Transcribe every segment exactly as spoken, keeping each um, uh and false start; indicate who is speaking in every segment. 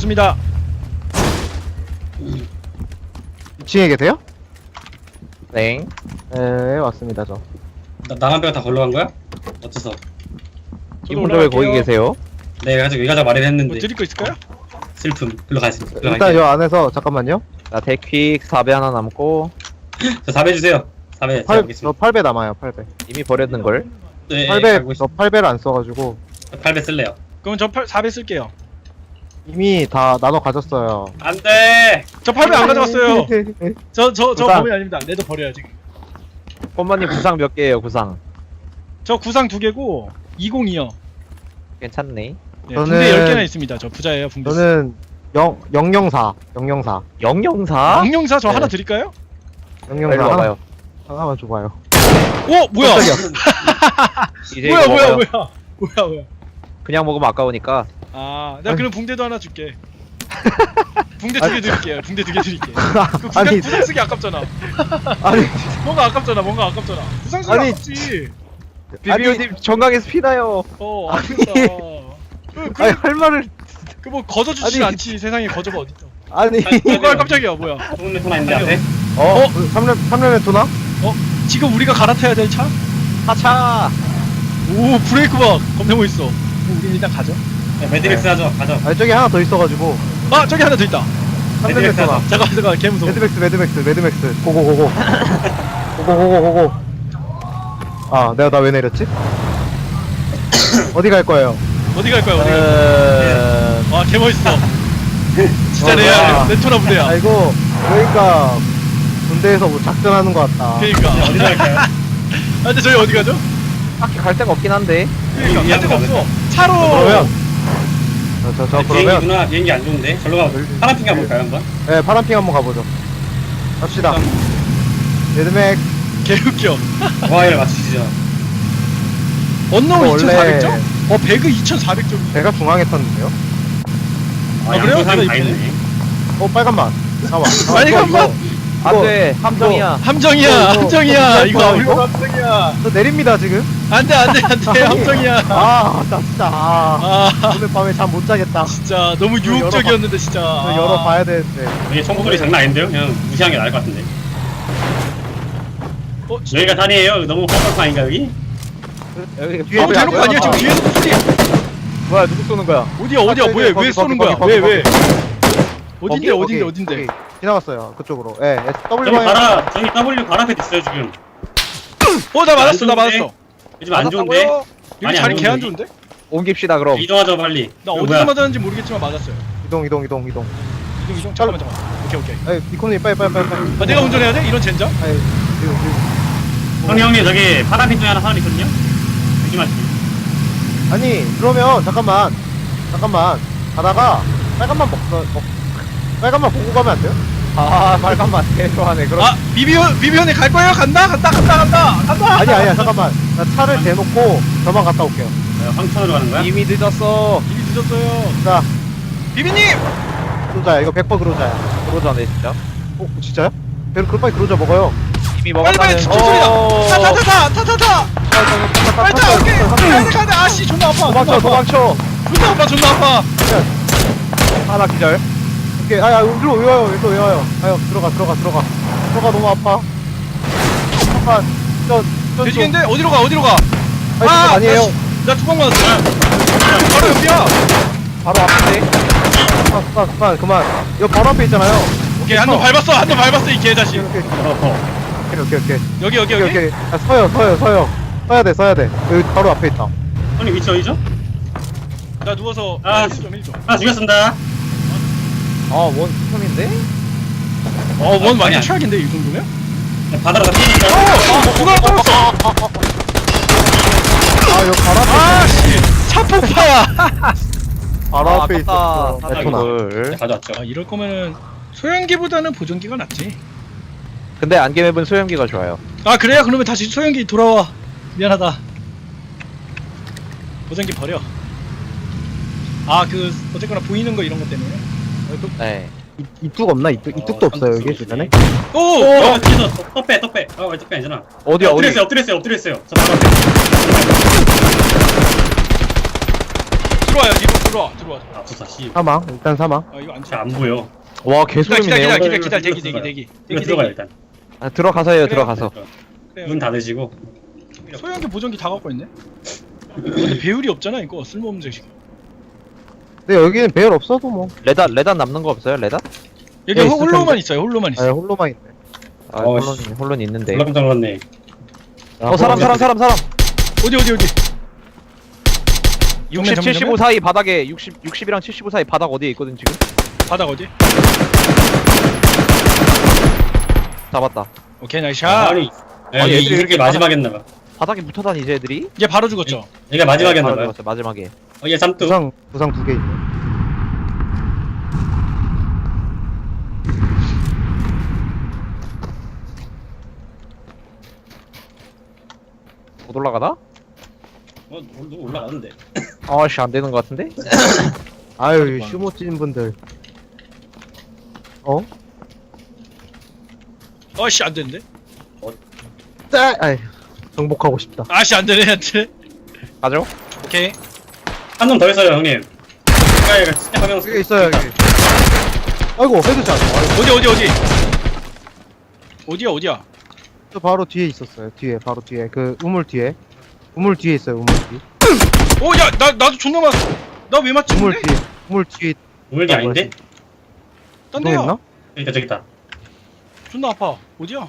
Speaker 1: 왔습니다.
Speaker 2: 이 층에 계세요?
Speaker 3: 네.
Speaker 2: 네 왔습니다 저.
Speaker 4: 나, 나만 빼고 다 걸러간 거야? 어째서?
Speaker 3: 이 혼자 왜 거기 계세요?
Speaker 4: 네, 가지고 여기 가자 말을 했는데
Speaker 1: 뭐 드릴 거 있을까요?
Speaker 4: 슬픔. 글로 가겠습니다. 글로
Speaker 2: 일단
Speaker 4: 갈게요.
Speaker 2: 요 안에서 잠깐만요.
Speaker 3: 나 대퀵 사 배 하나 남고
Speaker 4: 저 사 배 주세요. 사 배 제가
Speaker 2: 팔, 저
Speaker 4: 보겠습니다.
Speaker 2: 팔 배 남아요. 팔 배.
Speaker 3: 이미 버렸는 걸.
Speaker 4: 네,
Speaker 2: 팔 배
Speaker 4: 알고
Speaker 2: 저
Speaker 4: 있습니다.
Speaker 2: 팔 배를 안 써가지고
Speaker 4: 팔 배 쓸래요.
Speaker 1: 그럼 저 사 배 쓸게요.
Speaker 2: 이미 다 나눠 가졌어요.
Speaker 4: 안 돼!
Speaker 1: 저 팔 배 안 가져갔어요. 저 저 저
Speaker 2: 구상.
Speaker 1: 범인 아닙니다. 내도 버려요 지금.
Speaker 3: 폰마님 구상 몇 개예요? 구상.
Speaker 1: 저 구상 두 개고 이공이요.
Speaker 3: 괜찮네.
Speaker 1: 네,
Speaker 2: 저는-
Speaker 1: 붕대 열 개나 있습니다. 저 부자예요. 붕대.
Speaker 2: 저는 영 영영사 영영사
Speaker 3: 영영사?
Speaker 1: 양용사 저
Speaker 2: 네.
Speaker 1: 하나 드릴까요?
Speaker 2: 영영사
Speaker 3: 일로
Speaker 2: 하나,
Speaker 3: 와봐요.
Speaker 2: 하나만 줘봐요.
Speaker 1: 오 뭐야?
Speaker 3: 이제
Speaker 1: 뭐야
Speaker 3: 이거
Speaker 1: 뭐야
Speaker 3: 먹어요.
Speaker 1: 뭐야 뭐야 뭐야?
Speaker 3: 그냥 먹으면 아까우니까.
Speaker 1: 아 내가 그럼 붕대도 하나 줄게. 붕대 두 개 드릴게요. 붕대 두 개 드릴게. 그 구상,
Speaker 2: 아니
Speaker 1: 구상 쓰기 아깝잖아.
Speaker 2: 아니
Speaker 1: 뭔가 아깝잖아. 뭔가 아깝잖아. 구상 쓰기
Speaker 2: 아니,
Speaker 1: 아깝지.
Speaker 3: 비비오님 정강에서 피나요.
Speaker 1: 어
Speaker 2: 아니.
Speaker 1: 아깝다. 그,
Speaker 2: 아니
Speaker 1: 그,
Speaker 2: 할 말을
Speaker 1: 그 뭐 거저주지
Speaker 2: 아니.
Speaker 1: 않지. 세상에 거저가 어딨어.
Speaker 2: 아니
Speaker 1: 뭐야 깜짝이야 뭐야.
Speaker 4: 좋은 레토 나있는데 앞에?
Speaker 2: 어 삼 년 삼 년에 토나?
Speaker 1: 지금 우리가 갈아타야 될 차?
Speaker 3: 하차.
Speaker 1: 오 브레이크 박 겁나 멋있어. 어, 우리 일단 가죠.
Speaker 4: 네, 매드맥스 하죠. 가죠.
Speaker 2: 아니 저기 하나 더 있어가지고
Speaker 1: 아 저기 하나 더 있다.
Speaker 2: 삼 년에
Speaker 4: 매드맥스
Speaker 2: 토나.
Speaker 4: 하자.
Speaker 1: 잠깐 잠깐 개 무서워.
Speaker 2: 매드맥스 매드맥스 매드맥스 고고 고고 고고 고고 고고. 아 내가 나 왜 내렸지? 어디 갈 거예요?
Speaker 1: 어디 갈 거야 어디? 갈
Speaker 3: 어...
Speaker 1: 거야? 와개 멋있어. 진짜
Speaker 2: 어,
Speaker 1: 레알
Speaker 2: 뭐야.
Speaker 1: 레토나 부대야.
Speaker 2: 아이고 그러니까 군대에서 뭐 작전하는 것 같다.
Speaker 1: 그러니까.
Speaker 4: 어디로 갈까요?
Speaker 1: 아 근데 저희 어디 가죠?
Speaker 3: 딱히 갈 데가 없긴 한데.
Speaker 1: 그러니까
Speaker 4: 여기
Speaker 1: 갈 데가
Speaker 4: 위안부
Speaker 1: 없어. 차로.
Speaker 2: 그러면 저 저 저 그러면
Speaker 4: 비행기구나. 비행기 안 좋은데. 절로 가. 파란 핑 가볼까요 한번?
Speaker 2: 네 파란핑 한번 가보죠. 갑시다. 레드맥
Speaker 1: 개 웃겨.
Speaker 4: 와이를 맞추시죠.
Speaker 1: 언노운
Speaker 2: 원래-
Speaker 1: 이천사백 점? 어 배그 이천사백 점.
Speaker 2: 배가 중앙에 탔는데요?
Speaker 4: 아,
Speaker 1: 아, 그래요?
Speaker 4: 양쪽 사람 다
Speaker 1: 제가
Speaker 4: 있네.
Speaker 2: 어 빨간맛 나와. 아,
Speaker 1: 빨간맛?
Speaker 3: 안돼. 함정이야.
Speaker 1: 함정이야
Speaker 2: 이거, 이거,
Speaker 1: 함정이야
Speaker 2: 이거,
Speaker 1: 이거
Speaker 2: 이거?
Speaker 1: 함정이야.
Speaker 2: 저 내립니다 지금.
Speaker 1: 안돼 안돼 안돼
Speaker 2: 아니.
Speaker 1: 함정이야.
Speaker 2: 아나 진짜 아,
Speaker 1: 아
Speaker 2: 오늘 밤에 잠 못 자겠다.
Speaker 1: 진짜 너무
Speaker 2: 이거
Speaker 1: 유혹적이었는데 진짜.
Speaker 2: 이거
Speaker 1: 아.
Speaker 2: 열어봐야 되는데.
Speaker 4: 여기 총소리 장난 아닌데요? 그냥 무시하는 게 나을 것 같은데.
Speaker 1: 어,
Speaker 4: 여기가 단이에요? 너무 헛헛한인가 여기?
Speaker 3: 여기
Speaker 2: 뒤에
Speaker 1: 너무
Speaker 2: 왜
Speaker 1: 대놓고
Speaker 2: 안
Speaker 1: 아니야 지금
Speaker 2: 나와?
Speaker 1: 뒤에서 소리.
Speaker 3: 뭐야 누구 쏘는 거야?
Speaker 1: 어디야 어디야
Speaker 2: 거기,
Speaker 1: 왜
Speaker 2: 거기,
Speaker 1: 왜 쏘는
Speaker 2: 거기,
Speaker 1: 거야
Speaker 2: 거기,
Speaker 1: 왜
Speaker 2: 거기,
Speaker 1: 왜? 어딘데
Speaker 2: 거기,
Speaker 1: 어딘데
Speaker 2: 거기,
Speaker 1: 어딘데?
Speaker 2: 거기. 지나갔어요 그쪽으로. 예 S W
Speaker 4: 저기
Speaker 2: 방향.
Speaker 4: 바라, 저기 W 발 앞에 있어요 지금.
Speaker 1: 어 나 맞았어 나
Speaker 4: 안 좋은데?
Speaker 1: 맞았어.
Speaker 4: 요즘 안 좋은데?
Speaker 3: 맞았다고요?
Speaker 1: 여기
Speaker 4: 많이
Speaker 1: 자리
Speaker 4: 안
Speaker 1: 개 안
Speaker 4: 좋은데?
Speaker 1: 좋은데?
Speaker 3: 옮깁시다 그럼.
Speaker 4: 이동하죠 빨리.
Speaker 1: 나
Speaker 4: 이거
Speaker 1: 어디서
Speaker 4: 뭐야?
Speaker 1: 맞았는지 모르겠지만 맞았어요.
Speaker 2: 이동 이동 이동 이동.
Speaker 1: 이동 이동 잠깐만 잠깐만. 오케이 오케이.
Speaker 2: 에 이코님 빨리 빨리 빨리 빨리.
Speaker 1: 아 내가 운전해야 돼? 이런 젠장?
Speaker 2: 아니 지금 지금.
Speaker 4: 형님 형님 저기 파란 핀 중에 하나 사람 있거든요? 여기 맞지?
Speaker 2: 아니 그러면 잠깐만 잠깐만 가다가 빨간만 먹, 먹 빨간만 보고 가면 안 돼요?
Speaker 3: 아 빨간맛 개 좋아하네. 그럼.
Speaker 1: 아 비비온 비비온에 갈 거예요? 간다 간다 간다 간다 간다.
Speaker 2: 아니 아니야 잠깐만 나 차를 대놓고 저만 갔다 올게요.
Speaker 4: 어, 황천으로 가는 거야?
Speaker 3: 이미 늦었어.
Speaker 1: 이미 늦었어요.
Speaker 2: 자
Speaker 1: 비비님.
Speaker 2: 그로자야 이거 백 퍼센트 그로자야.
Speaker 3: 그러자네 진짜.
Speaker 2: 어 진짜요? 배로 그럴 바에 그로자 먹어요.
Speaker 3: 이미
Speaker 1: 빨리 빨리
Speaker 3: 먹었다는.
Speaker 1: 추천 소리다.
Speaker 3: 어.
Speaker 1: 타타타타 타타타. 빨리 타 오케이. 가야 돼 가야 돼. 아씨 존나 아파.
Speaker 3: 도망쳐
Speaker 1: 존나 아파.
Speaker 3: 도망쳐.
Speaker 1: 존나 아파 존나 아파.
Speaker 3: 하나 기절.
Speaker 2: 오케이 아야 여기로 왜 와요 여기로 왜 와요? 아유 들어가 들어가 들어가 들어가 너무 아파. 잠깐 저저
Speaker 1: 돼지겠는데 어디로 가 어디로 가?
Speaker 2: 아니 그거 아니에요.
Speaker 1: 나 두 방 맞았어. 바로 여기야.
Speaker 3: 바로 앞인데.
Speaker 2: 그만 그만 그만 그만. 이거 바로 앞에 있잖아요.
Speaker 1: 오케이 한 번 밟았어 한 번 밟았어 이 개자식.
Speaker 2: 오케이
Speaker 4: 어허.
Speaker 2: 오케이 오케이 오케이
Speaker 1: 여기 여기
Speaker 2: 오케이
Speaker 1: 여기.
Speaker 2: 오케이. 아, 서요 서요 서요. 서야 돼 서야 돼. 여기 바로 앞에 있다.
Speaker 4: 형님 위치 어디죠?
Speaker 1: 나 누워서
Speaker 4: 아,
Speaker 1: 일 점 일 점.
Speaker 4: 하나 죽였습니다.
Speaker 3: 아원 투점인데?
Speaker 1: 어원
Speaker 4: 아니,
Speaker 1: 완전
Speaker 4: 아니.
Speaker 1: 최악인데 이 정도면?
Speaker 4: 바다로 다
Speaker 1: 어!
Speaker 4: 뛰니까.
Speaker 1: 어! 누가 떨었어!
Speaker 2: 아 여기 바로 앞에
Speaker 1: 아씨! 차 폭파야!
Speaker 2: 바로
Speaker 3: 아,
Speaker 2: 앞에 있었어.
Speaker 3: 아깝다.
Speaker 2: 에토나.
Speaker 3: 이걸.
Speaker 4: 가져왔죠.
Speaker 1: 아 이럴 거면은 소형기보다는 보정기가 낫지.
Speaker 3: 근데 안개맵은 소형기가 좋아요.
Speaker 1: 아 그래요? 그러면 다시 소형기 돌아와. 미안하다. 보정기 버려. 아 그 어쨌거나 보이는 거 이런 것 때문에.
Speaker 3: 네.
Speaker 2: 이- 이뚝 없나? 이뚝 이뚝도
Speaker 4: 어,
Speaker 2: 없어요 여기
Speaker 4: 선수
Speaker 2: 주변에.
Speaker 1: 오!
Speaker 4: 어, 뒤에서 떡배, 떡배. 어, 왜 떡배 아니잖아.
Speaker 3: 어디야 어디?
Speaker 4: 엎드렸어요, 엎드렸어요, 엎드렸어요. 저 바로 앞에.
Speaker 1: 들어와요 뒤로. 들어와 들어와.
Speaker 4: 아 좋다 씨.
Speaker 2: 사망. 일단 사망.
Speaker 1: 아 이거 안
Speaker 4: 잘
Speaker 1: 돼.
Speaker 4: 안 보여.
Speaker 3: 와
Speaker 1: 기다려 기다려
Speaker 3: 개소리네요.
Speaker 1: 기다려
Speaker 4: 이거,
Speaker 1: 기다려
Speaker 4: 이거
Speaker 1: 대기 대기
Speaker 4: 들어가요.
Speaker 1: 대기
Speaker 4: 이거
Speaker 1: 대기
Speaker 4: 들어가요
Speaker 1: 대기.
Speaker 4: 일단.
Speaker 3: 아, 들어가서 해요.
Speaker 1: 그래요.
Speaker 3: 들어가서.
Speaker 1: 그래요.
Speaker 4: 문 닫으시고.
Speaker 1: 소형기 보정기 다 갖고 있네. 근데 배율이 없잖아 이거 쓸모없는 자식.
Speaker 2: 근데 여기는 배열 없어도 뭐.
Speaker 3: 레단 레단 남는 거 없어요? 레단?
Speaker 1: 여기
Speaker 2: 예,
Speaker 1: 홀-
Speaker 2: 있을
Speaker 1: 홀로만
Speaker 2: 텐데.
Speaker 1: 있어요. 홀로만
Speaker 2: 아,
Speaker 1: 있어.
Speaker 2: 홀로만 있네.
Speaker 3: 아
Speaker 4: 어,
Speaker 3: 홀론 홀론 있는데.
Speaker 4: 졸라 깜짝 놀랐네.
Speaker 3: 어 사람 사람 사람 사람.
Speaker 1: 어디 어디 어디.
Speaker 3: 육십, 칠십오 사이 바닥에 육십, 육십이랑 칠십오 사이 바닥 어디에 있거든 지금?
Speaker 1: 바닥 어디?
Speaker 3: 잡았다.
Speaker 1: 오케이 나이스
Speaker 4: 아,
Speaker 1: 샷.
Speaker 4: 아니.
Speaker 3: 아니,
Speaker 4: 아니
Speaker 3: 애들이
Speaker 4: 이게
Speaker 3: 이렇게
Speaker 4: 마지막 했나봐.
Speaker 3: 바닥에 붙어 다니지 애들이?
Speaker 1: 얘 바로 죽었죠.
Speaker 4: 얘가 마지막
Speaker 3: 네, 바로
Speaker 4: 했나봐요.
Speaker 3: 죽었어, 마지막에.
Speaker 4: 어, 얘 삼뚝.
Speaker 2: 부상, 부상 두 개 있네.
Speaker 3: 못 올라가나?
Speaker 4: 어, 너 올라가는데.
Speaker 3: 아씨 안 되는 거 같은데?
Speaker 2: 아유, 슈모 찐 분들. 어?
Speaker 1: 어씨 안 되는데?
Speaker 2: 짤! 아이, 정복하고 싶다.
Speaker 1: 아씨 안 되네 안 되네.
Speaker 3: 가죠?
Speaker 1: 오케이.
Speaker 4: 한 놈 더 있어요 형님. 얘가 얘가 진짜 화면
Speaker 2: 여기 있어요, 여기. 아이고, 헤드샷. 아이고,
Speaker 1: 어디 어디 어디? 어디야 어디야?
Speaker 2: 저 바로 뒤에 있었어요. 뒤에, 바로 뒤에. 그, 우물 뒤에. 우물 뒤에 있어요, 우물 뒤에.
Speaker 1: 어야 나 나도 존나 맞. 나 왜 맞지?
Speaker 2: 우물
Speaker 1: 근데?
Speaker 2: 뒤에. 우물 뒤에.
Speaker 4: 우물기 아닌데?
Speaker 1: 딴 데야.
Speaker 2: 했나?
Speaker 4: 여기 있다 저기 있다.
Speaker 1: 존나 아파. 어디야?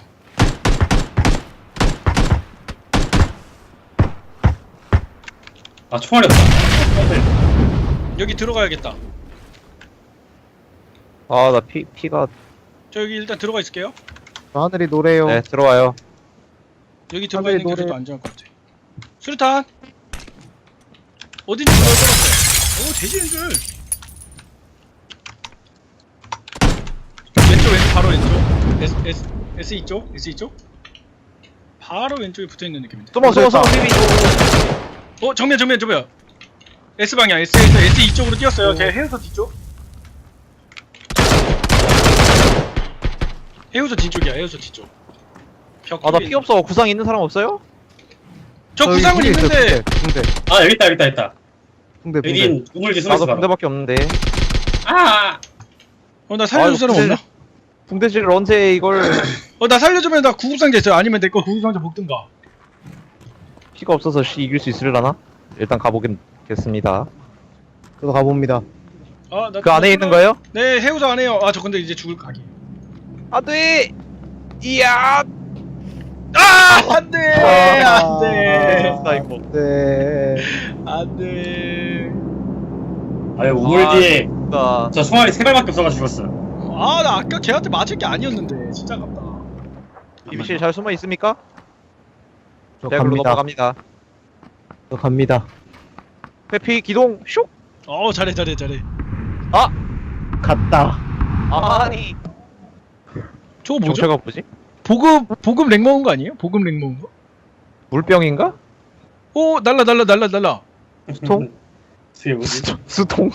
Speaker 4: 아 총알이 없다.
Speaker 1: 여기 들어가야겠다.
Speaker 3: 아 나 피 피가.
Speaker 1: 저 여기 일단 들어가 있을게요.
Speaker 2: 저 하늘이 노래요.
Speaker 3: 네 들어와요.
Speaker 1: 여기 들어가
Speaker 2: 하늘이
Speaker 1: 있는 게
Speaker 2: 노래.
Speaker 1: 그래도 안전할 것 같아. 수류탄. 어딘지 보여드렸어. 오 돼지인 줄. 왼쪽 왼쪽 바로 왼쪽. S S S 이쪽 S 이쪽. 바로 왼쪽에 붙어 있는 느낌인데.
Speaker 3: 숨어 숨어 숨어 힘이.
Speaker 1: 어 정면 정면 정면. S 방향 S S S 이쪽으로 뛰었어요. 제 해우서 뒤쪽. 해우서 뒤쪽이야. 해우서 뒤쪽. 벽.
Speaker 3: 아나
Speaker 1: 뒤에
Speaker 3: 피 없어. 구상 있는 사람 없어요?
Speaker 1: 저
Speaker 2: 저기
Speaker 1: 구상은
Speaker 2: 붕대 있어요,
Speaker 1: 있는데.
Speaker 2: 붕대, 붕대.
Speaker 4: 아 여기 있다 여기 있다 여기 있다.
Speaker 2: 붕대, 붕대.
Speaker 4: 여긴 우물기 숨어있어
Speaker 3: 나도
Speaker 4: 바로.
Speaker 3: 붕대밖에 없는데.
Speaker 4: 아!
Speaker 1: 어 나 살려줄
Speaker 3: 아이고,
Speaker 1: 사람
Speaker 3: 붕대-
Speaker 1: 없나?
Speaker 3: 붕대질 언제 이걸?
Speaker 1: 어 나 살려주면 나 구급상자 있어요. 아니면 내 거 구급상자 먹든가.
Speaker 3: 피가 없어서 씨 이길 수 있으려나? 일단 가보겠습니다.
Speaker 2: 저도 가봅니다.
Speaker 1: 아, 나
Speaker 3: 그 안에 있는 거예요?
Speaker 1: 네 해우서 안에요. 아 저 근데 이제 죽을 각이.
Speaker 3: 안돼. 이야.
Speaker 1: 아 안돼
Speaker 2: 아.
Speaker 1: 안돼
Speaker 3: 나 이거.
Speaker 2: 네.
Speaker 1: 안돼.
Speaker 4: 아유 우물
Speaker 3: 아,
Speaker 4: 뒤에
Speaker 3: 나
Speaker 4: 저 총알이 세 발밖에 없어가지고 죽었어.
Speaker 1: 아 나 아까 걔한테 맞을 게 아니었는데 진짜 아깝다.
Speaker 3: 비비씨 잘 숨어 있습니까?
Speaker 2: 저
Speaker 3: 제가 글로
Speaker 2: 갑니다.
Speaker 3: 넘어갑니다.
Speaker 2: 저 갑니다.
Speaker 3: 회피 기동 슉.
Speaker 1: 어 잘해 잘해 잘해.
Speaker 2: 갔다.
Speaker 3: 아니.
Speaker 1: 저거 뭐죠?
Speaker 3: 정체가 뭐지?
Speaker 1: 보급 보급 렉 먹은 거 아니에요? 보급 렉 먹은 거?
Speaker 3: 물병인가?
Speaker 1: 오 날라 날라 날라 날라.
Speaker 2: 수통?
Speaker 4: 그게 뭐지?
Speaker 3: 수통.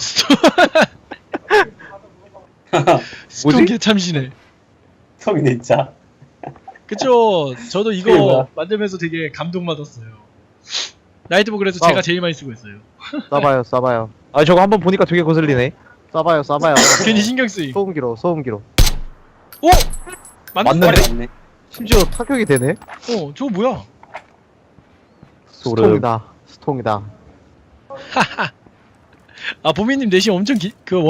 Speaker 1: 스톤 개참시네.
Speaker 4: 성이네 진짜.
Speaker 1: 그쵸? 저도
Speaker 4: 그게
Speaker 1: 이거
Speaker 4: 뭐야?
Speaker 1: 만들면서 되게 감동받았어요. 나이트보 그래서
Speaker 2: 어.
Speaker 1: 제가 제일 많이 쓰고 있어요.
Speaker 2: 쏴봐요, 쏴봐요.
Speaker 3: 아 저거 한번 보니까 되게 거슬리네.
Speaker 2: 쏴봐요, 쏴봐요.
Speaker 1: 괜히 신경 쓰임.
Speaker 2: 소음기로, 소음기로.
Speaker 1: 오! 맞는
Speaker 3: 맞는데?
Speaker 4: 맞네.
Speaker 2: 심지어 타격이 되네?
Speaker 1: 어, 저거 뭐야?
Speaker 2: 스통이다. 스통이다.
Speaker 1: 아, 보미님 내심 엄청 기, 그